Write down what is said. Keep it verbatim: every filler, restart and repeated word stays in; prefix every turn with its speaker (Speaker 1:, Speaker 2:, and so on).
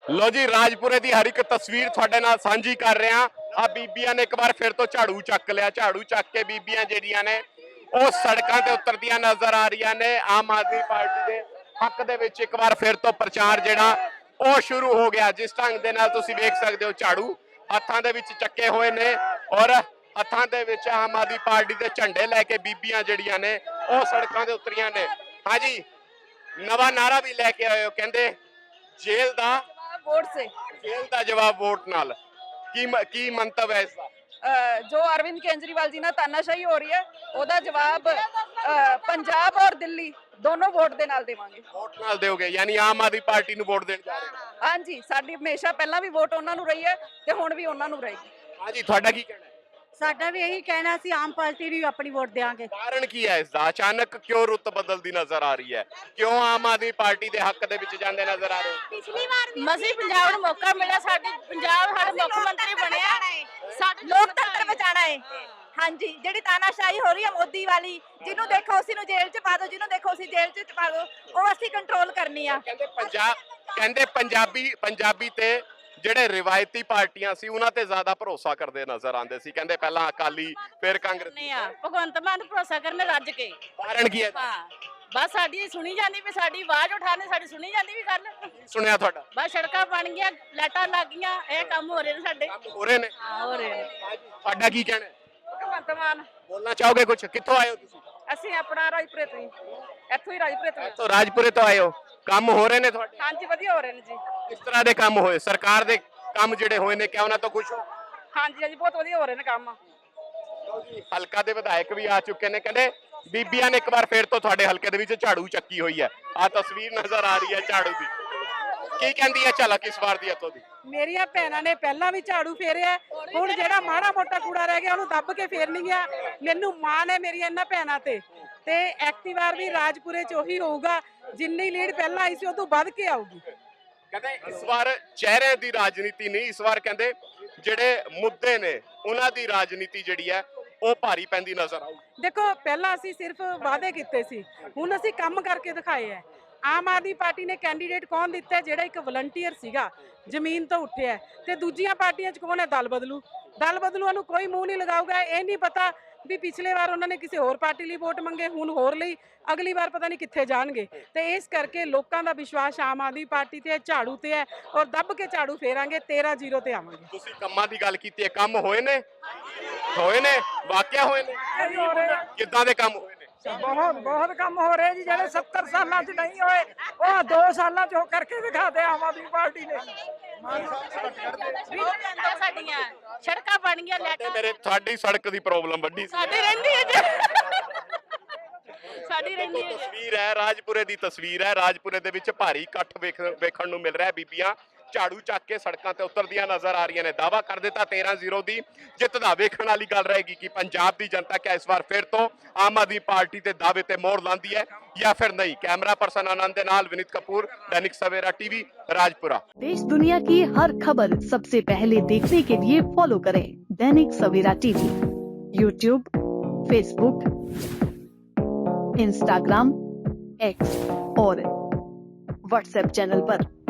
Speaker 1: ਲੋ ਜੀ ਰਾਜਪੁਰੇ ਦੀ ਹਰ ਇੱਕ ਤਸਵੀਰ ਤੁਹਾਡੇ ਨਾਲ ਸਾਂਝੀ ਕਰ ਰਹੇ ਹਾਂ। ਆ ਬੀਬੀਆਂ ਨੇ ਇੱਕ ਵਾਰ ਫਿਰ ਤੋਂ ਝਾੜੂ ਚੱਕ ਲਿਆ। ਝਾੜੂ ਚੱਕ ਕੇ ਬੀਬੀਆਂ ਜਿਹੜੀਆਂ ਨੇ ਉਹ ਸੜਕਾਂ ਤੇ ਉਤਰਦੀਆਂ ਨਜ਼ਰ ਆ ਰਹੀਆਂ ਨੇ। ਆਮ ਆਦਮੀ ਪਾਰਟੀ ਦੇ ਹੱਕ ਦੇ ਵਿੱਚ ਇੱਕ ਵਾਰ ਫਿਰ ਤੋਂ ਪ੍ਰਚਾਰ ਜਿਹੜਾ ਉਹ ਸ਼ੁਰੂ ਹੋ ਗਿਆ। ਜਿਸ ਢੰਗ ਦੇ ਨਾਲ ਤੁਸੀਂ ਵੇਖ ਸਕਦੇ ਹੋ ਝਾੜੂ ਹੱਥਾਂ ਦੇ ਵਿੱਚ ਚੱਕੇ ਹੋਏ ਨੇ ਔਰ ਹੱਥਾਂ ਦੇ ਵਿੱਚ ਆਮ ਆਦਮੀ ਪਾਰਟੀ ਦੇ ਝੰਡੇ ਲੈ ਕੇ ਬੀਬੀਆਂ ਜਿਹੜੀਆਂ ਨੇ ਉਹ ਸੜਕਾਂ ਤੇ ਉਤਰੀਆਂ ਨੇ। ਹਾਂਜੀ, ਨਵਾਂ ਨਾਰਾ ਵੀ ਲੈ ਕੇ ਆਏ ਹੋ, ਕਹਿੰਦੇ ਜੇਲ੍ਹ ਦਾ
Speaker 2: वोट से
Speaker 1: जेल का जवाब वोट नाल की की मंतव है इसका?
Speaker 2: जो अरविंद केजरीवाल जी ना तानाशाही हो रही है ओदा जवाब पंजाब और दिल्ली दोनों वोट दे नाल देवांगे।
Speaker 1: वोट नाल दोगे यानी आम आदमी पार्टी ਨੂੰ ਵੋਟ ਦੇਣ ਜਾ ਰਹੇ ਹੋ?
Speaker 2: हाँ जी, साडी हमेशा पहला भी वोट ਉਹਨਾਂ ਨੂੰ ਰਹੀ है ਤੇ ਹੁਣ ਵੀ ਉਹਨਾਂ ਨੂੰ ਰਹੇਗੀ।
Speaker 1: हाँ जी, ਤੁਹਾਡਾ ਕੀ ਕਹਿਣਾ ਹੈ?
Speaker 3: ਸਾਡਾ ਵੀ ਇਹੀ ਕਹਿਣਾ ਸੀ ਆਮ ਪਾਰਟੀ ਨੂੰ ਆਪਣੀ ਵੋਟ ਦੇਵਾਂਗੇ।
Speaker 1: ਕਾਰਨ ਕੀ ਹੈ ਇਸ ਦਾ? ਅਚਾਨਕ ਕਿਉਂ ਰੁੱਤ ਬਦਲਦੀ ਨਜ਼ਰ ਆ ਰਹੀ ਹੈ? ਕਿਉਂ ਆਮ ਆਦਮੀ ਪਾਰਟੀ ਦੇ ਹੱਕ ਦੇ ਵਿੱਚ ਜਾਂਦੇ ਨਜ਼ਰ ਆ ਰਹੇ ਹੋ?
Speaker 3: ਪਿਛਲੀ ਵਾਰ ਵੀ
Speaker 4: ਮਸੀਂ ਪੰਜਾਬ ਨੂੰ ਮੌਕਾ ਮਿਲਿਆ, ਸਾਡੇ ਪੰਜਾਬ ਸਾਡੇ ਮੁੱਖ ਮੰਤਰੀ ਬਣਿਆ, ਸਾਡੇ
Speaker 3: ਲੋਕਤੰਤਰ ਬਚਾਣਾ ਹੈ। ਹਾਂਜੀ, ਜਿਹੜੀ ਤਾਨਾਸ਼ਾਹੀ ਹੋ ਰਹੀ ਹੈ ਮੋਦੀ ਵਾਲੀ, ਜਿਹਨੂੰ ਦੇਖੋ ਉਸੇ ਨੂੰ ਜੇਲ੍ਹ 'ਚ ਪਾ ਦਿਓ, ਜਿਹਨੂੰ ਦੇਖੋ ਉਸੇ ਜੇਲ੍ਹ 'ਚ ਪਾ ਦਿਓ, ਉਹ ਅਸੀਂ ਕੰਟਰੋਲ ਕਰਨੀ ਆ।
Speaker 1: ਕਹਿੰਦੇ ਪੰਜਾਬ ਕਹਿੰਦੇ ਪੰਜਾਬੀ ਪੰਜਾਬੀ ਤੇ ਜਿਹੜੇ ਰਿਵਾਇਤੀ ਪਾਰਟੀਆਂ ਸੀ ਉਹਨਾਂ ਤੇ ਜ਼ਿਆਦਾ ਭਰੋਸਾ ਕਰਦੇ ਨਜ਼ਰ ਆਉਂਦੇ ਸੀ। ਕਹਿੰਦੇ ਪਹਿਲਾਂ ਅਕਾਲੀ ਫਿਰ ਕਾਂਗਰਸ।
Speaker 4: ਨਹੀਂ ਆ ਭਗਵੰਤ ਮਾਨ ਨੂੰ ਭਰੋਸਾ ਕਰਨੇ ਰੱਜ ਕੇ।
Speaker 1: ਕਾਰਨ ਕੀ ਹੈ?
Speaker 4: ਹਾਂ, ਬਸ ਸਾਡੀ ਸੁਣੀ ਜਾਂਦੀ ਵੀ ਸਾਡੀ ਆਵਾਜ਼ ਉਠਾਣੇ, ਸਾਡੀ ਸੁਣੀ ਜਾਂਦੀ ਵੀ ਗੱਲ।
Speaker 1: ਸੁਣਿਆ ਤੁਹਾਡਾ?
Speaker 4: ਬਸ ਸੜਕਾਂ ਬਣ ਗਈਆਂ, ਲਾਈਟਾਂ ਲੱਗ ਗਈਆਂ, ਇਹ ਕੰਮ ਹੋ ਰਹੇ ਨੇ ਸਾਡੇ।
Speaker 1: ਕੰਮ ਹੋ ਰਹੇ ਨੇ?
Speaker 4: ਹਾਂ, ਹੋ ਰਹੇ ਨੇ।
Speaker 1: ਤੁਹਾਡਾ ਕੀ ਕਹਿਣਾ ਹੈ?
Speaker 2: ਭਗਵੰਤ ਮਾਨ।
Speaker 1: ਬੋਲਣਾ ਚਾਹੋਗੇ ਕੁਝ? ਕਿੱਥੋਂ ਆਏ ਹੋ ਤੁਸੀਂ?
Speaker 2: ਅਸੀਂ ਆਪਣਾ ਰਾਜਪੁਰੇ ਤੋਂ ਹੀ, ਇੱਥੋਂ ਹੀ ਰਾਜਪੁਰੇ ਤੋਂ।
Speaker 1: ਇੱਥੋਂ ਰਾਜਪੁਰੇ ਤੋਂ ਆਏ ਹੋ। ਕੰਮ ਹੋ ਰਹੇ ਨੇ ਤੁਹਾਡੇ?
Speaker 2: ਹਾਂਜੀ, ਵਧੀਆ ਹੋ ਰਹੇ ਨੇ ਜੀ।
Speaker 1: ਕਿਸ ਤਰ੍ਹਾਂ ਦੇ ਕੰਮ ਹੋਏ? ਸਰਕਾਰ ਦੇ ਕੰਮ ਜਿਹੜੇ ਹੋਏ ਨੇ ਕਿਆ ਉਹਨਾਂ ਤੋਂ ਖੁਸ਼ ਹੋ?
Speaker 2: ਹਾਂਜੀ ਹਾਂਜੀ, ਬਹੁਤ ਵਧੀਆ ਹੋ ਰਹੇ ਨੇ ਕੰਮ।
Speaker 1: ਹਲਕਾ ਦੇ ਵਿਧਾਇਕ ਵੀ ਆ ਚੁੱਕੇ ਨੇ। ਕਹਿੰਦੇ ਬੀਬੀਆਂ ਨੇ ਇੱਕ ਵਾਰ ਫੇਰ ਤੋਂ ਤੁਹਾਡੇ ਹਲਕੇ ਦੇ ਵਿੱਚ ਝਾੜੂ ਚੱਕੀ ਹੋਈ ਹੈ। ਆ ਤਸਵੀਰ ਨਜ਼ਰ ਆ ਰਹੀ ਹੈ ਝਾੜੂ ਦੀ। ਕੀ ਕਹਿੰਦੀ ਹੈ ਝਲਕ ਇਸ ਵਾਰ ਦੀ ਇੱਥੋਂ ਦੀ?
Speaker 5: ਮੇਰੀਆਂ ਭੈਣਾਂ ਨੇ ਪਹਿਲਾਂ ਵੀ ਝਾੜੂ ਫੇਰਿਆ, ਹੁਣ ਜਿਹੜਾ ਮਾੜਾ ਮੋਟਾ ਕੂੜਾ ਰਹਿ ਗਿਆ ਉਹਨੂੰ ਦੱਬ ਕੇ ਫੇਰ ਨਹੀਂ ਗਿਆ। ਮੈਨੂੰ ਮਾਣ ਹੈ ਮੇਰੀਆਂ ਇਹਨਾਂ ਭੈਣਾਂ ਤੇ ਤੇ ਐਕਟਿਵ ਵਾਰ ਵੀ ਰਾਜਪੁਰੇ ਚ ਉਹੀ ਹੋਊਗਾ। ਜਿੰਨੀ ਲੀਡ ਪਹਿਲਾਂ ਆਈ ਸੀ ਉਹ ਤੋਂ ਵੱਧ ਕੇ ਆਊਗੀ।
Speaker 1: ਕਹਿੰਦੇ ਇਸ ਵਾਰ ਚਿਹਰੇ ਦੀ ਰਾਜਨੀਤੀ ਨਹੀਂ, ਇਸ ਵਾਰ ਕਹਿੰਦੇ ਜਿਹੜੇ ਮੁੱਦੇ ਨੇ ਉਹਨਾਂ ਦੀ ਰਾਜਨੀਤੀ ਜਿਹੜੀ ਹੈ ਉਹ ਭਾਰੀ ਪੈਂਦੀ ਨਜ਼ਰ ਆਊ।
Speaker 5: ਦੇਖੋ, ਪਹਿਲਾਂ ਅਸੀਂ ਸਿਰਫ ਵਾਅਦੇ ਕੀਤੇ ਸੀ, ਹੁਣ ਅਸੀਂ ਕੰਮ ਕਰਕੇ ਦਿਖਾਏ ਹੈ। ਆਮ ਆਦਮੀ ਪਾਰਟੀ ਨੇ ਕੈਂਡੀਡੇਟ ਕੌਣ ਦਿੱਤਾ? ਜਿਹੜਾ ਇੱਕ ਵਲੰਟੀਅਰ ਸੀਗਾ, ਜ਼ਮੀਨ ਤੋਂ ਉੱਠਿਆ। ਤੇ ਦੂਜੀਆਂ ਪਾਰਟੀਆਂ 'ਚ ਕੌਣ ਹੈ? ਦਲ ਬਦਲੂ। ਦਲ ਬਦਲੂਆਂ ਨੂੰ ਕੋਈ ਮੂੰਹ ਨਹੀਂ ਲਗਾਊਗਾ। ਇਹ ਨਹੀਂ ਪਤਾ ਵੀ ਪਿਛਲੇ ਵਾਰ ਉਹਨਾਂ ਨੇ ਕਿਸੇ ਹੋਰ ਪਾਰਟੀ ਲਈ ਵੋਟ ਮੰਗੇ, ਹੁਣ ਹੋਰ ਲਈ, ਅਗਲੀ ਵਾਰ ਪਤਾ ਨਹੀਂ ਕਿੱਥੇ ਜਾਣਗੇ। ਤੇ ਇਸ ਕਰਕੇ ਲੋਕਾਂ ਦਾ ਵਿਸ਼ਵਾਸ ਆਮ ਆਦਮੀ ਪਾਰਟੀ ਤੇ ਹੈ, ਝਾੜੂ ਤੇ ਹੈ ਔਰ ਦੱਬ ਕੇ ਝਾੜੂ ਫੇਰਾਂਗੇ। ਤੇਰਾਂ ਜ਼ੀਰੋ ਤੇ ਆਵਾਂਗੇ।
Speaker 1: ਤੁਸੀਂ ਕੰਮਾਂ ਦੀ ਗੱਲ ਕੀਤੀ ਹੈ, ਕੰਮ ਹੋਏ ਨੇ? ਹੋਏ ਨੇ? ਵਾਕਿਆ ਹੋਏ ਨੇ? ਕਿੱਦਾਂ ਦੇ ਕੰਮ ਹੋਏ ਨੇ?
Speaker 5: ਬਹੁਤ ਬਹੁਤ ਕੰਮ ਹੋ ਰਹੇ ਜੀ, ਜਿਹੜੇ ਸੱਤਰ ਸਾਲਾਂ 'ਚ ਨਹੀਂ ਹੋਏ ਉਹ ਦੋ ਸਾਲਾਂ 'ਚ ਹੋ ਕਰਕੇ ਦਿਖਾਤੇ ਆਮ ਆਦਮੀ ਪਾਰਟੀ ਨੇ।
Speaker 4: ਸਾਡੀਆਂ ਸੜਕਾਂ ਬਣ ਗਈਆਂ,
Speaker 1: ਤੇ
Speaker 4: ਲਾਈਟਾਂ
Speaker 1: ਮੇਰੇ ਤੁਹਾਡੀ ਸੜਕ ਦੀ ਪ੍ਰੋਬਲਮ ਵੱਡੀ ਸੀ।
Speaker 4: ਸਾਡੀ ਰਹਿੰਦੀ ਹੈ ਜੀ, ਸਾਡੀ ਰਹਿੰਦੀ ਹੈ।
Speaker 1: ਤਸਵੀਰ ਹੈ ਰਾਜਪੁਰੇ ਦੀ, ਤਸਵੀਰ ਹੈ ਰਾਜਪੁਰੇ ਦੇ ਵਿੱਚ ਭਾਰੀ ਇਕੱਠ ਵੇਖਣ ਨੂੰ ਮਿਲ ਰਿਹਾ। ਬੀਬੀਆਂ ਝਾੜੂ ਚੱਕ ਕੇ ਸੜਕਾਂ ਤੇ ਉਤਰਦੀਆਂ ਨਜ਼ਰ ਆ ਰਹੀਆਂ ਨੇ। ਦਾਵਾ ਕਰ ਦਿੱਤਾ ਤੇਰਾਂ ਜ਼ੀਰੋ ਦੀ ਜਿੱਤ ਦਾ। ਵੇਖਣ ਵਾਲੀ ਗੱਲ ਰਹੇਗੀ ਕਿ ਪੰਜਾਬ ਦੀ ਜਨਤਾ ਕਿਆ ਇਸ ਵਾਰ ਫਿਰ ਤੋਂ ਆਮ ਆਦਮੀ ਪਾਰਟੀ ਤੇ ਦਾਅਵੇ ਤੇ ਮੋਹਰ ਲਾਉਂਦੀ ਹੈ ਜਾਂ ਫਿਰ नहीं। कैमरा पर्सन आनंद के नाल विनीत कपूर, दैनिक सवेरा टीवी, राजपुरा।
Speaker 6: देश दुनिया की हर खबर सबसे पहले देखने के लिए फॉलो करें Dainik Savera TV, YouTube, Facebook, Instagram, X और व्हाट्सएप चैनल पर।